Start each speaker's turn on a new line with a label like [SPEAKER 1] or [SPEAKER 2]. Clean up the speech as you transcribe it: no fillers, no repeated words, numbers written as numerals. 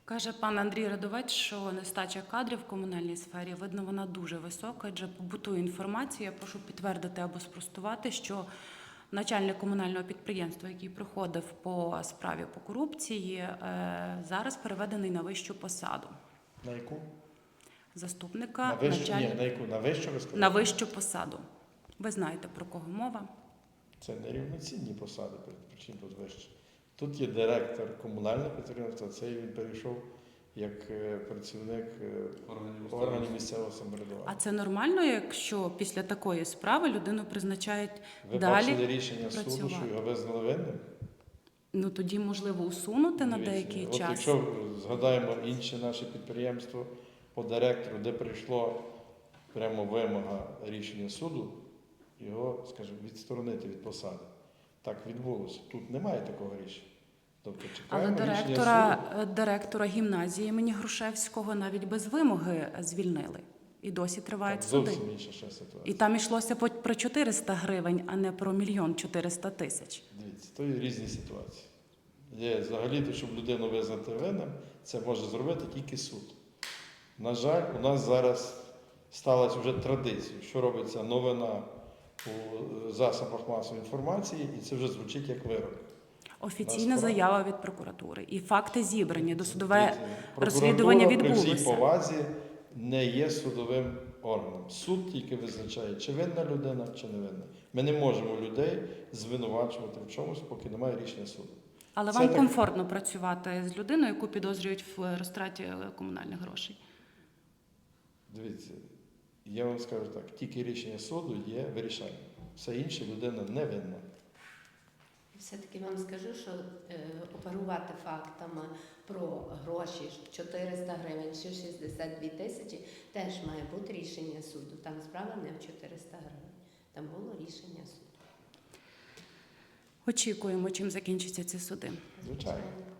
[SPEAKER 1] Каже пан Андрій Радовець, що нестача кадрів в комунальній сфері, видно, вона дуже висока, адже побутує інформація. Я прошу підтвердити або спростувати, що начальник комунального підприємства, який проходив по справі по корупції, зараз переведений на вищу посаду.
[SPEAKER 2] На яку?
[SPEAKER 1] Заступника
[SPEAKER 2] На вищу?
[SPEAKER 1] начальника.
[SPEAKER 2] Ні, на яку? На вищу ви сказали?
[SPEAKER 1] На вищу посаду. Ви знаєте, про кого мова?
[SPEAKER 2] Це не рівноцінні посади, причому тут вище. Тут є директор комунального підприємства, це він перейшов як працівник органів місцевого самоврядування.
[SPEAKER 1] А це нормально, якщо після такої справи людину призначають
[SPEAKER 2] Ви
[SPEAKER 1] далі
[SPEAKER 2] бачили рішення суду,
[SPEAKER 1] працювати?
[SPEAKER 2] що його визнали винним?
[SPEAKER 1] Ну тоді можливо усунути на
[SPEAKER 2] Дивіться,
[SPEAKER 1] деякий
[SPEAKER 2] от
[SPEAKER 1] час.
[SPEAKER 2] якщо згадаємо інше наше підприємство по директору, де прийшло прямо вимога рішення суду, його, скажімо, відсторонити від посади. Так відбулося. Тут немає такого рішення. Тобто
[SPEAKER 1] Але
[SPEAKER 2] чекаємо рішення суду.
[SPEAKER 1] директора гімназії імені Грушевського навіть без вимоги звільнили. І досі тривають
[SPEAKER 2] Там
[SPEAKER 1] суди.
[SPEAKER 2] зовсім інша ще ситуація.
[SPEAKER 1] І там йшлося про 400 гривень, а не про 1 400 000.
[SPEAKER 2] Дивіться, то є різні ситуації. Є взагалі, щоб людину визнати винним, це може зробити тільки суд. На жаль, у нас зараз сталася вже традиція, що робиться новина у засобах масової інформації, і це вже звучить як вирок.
[SPEAKER 1] Офіційна заява від прокуратури. І факти зібрані. Досудове
[SPEAKER 2] Дивіться,
[SPEAKER 1] розслідування
[SPEAKER 2] прокуратура при всій
[SPEAKER 1] відбулося.
[SPEAKER 2] повазі не є судовим органом. Суд тільки визначає, чи винна людина, чи не винна. Ми не можемо людей звинувачувати в чомусь, поки немає рішення суду.
[SPEAKER 1] Але
[SPEAKER 2] Це
[SPEAKER 1] вам
[SPEAKER 2] так-
[SPEAKER 1] комфортно працювати з людиною, яку підозрюють в розтраті комунальних грошей?
[SPEAKER 2] Дивіться, я вам скажу так, тільки рішення суду є вирішальним. Все інше людина не винна.
[SPEAKER 3] Все-таки вам скажу, що оперувати фактами про гроші 400 гривень чи 62 тисячі теж має бути рішення суду. Там справа не в 400 гривень. Там було рішення суду.
[SPEAKER 1] Очікуємо, чим закінчаться ці суди.
[SPEAKER 2] Звичайно.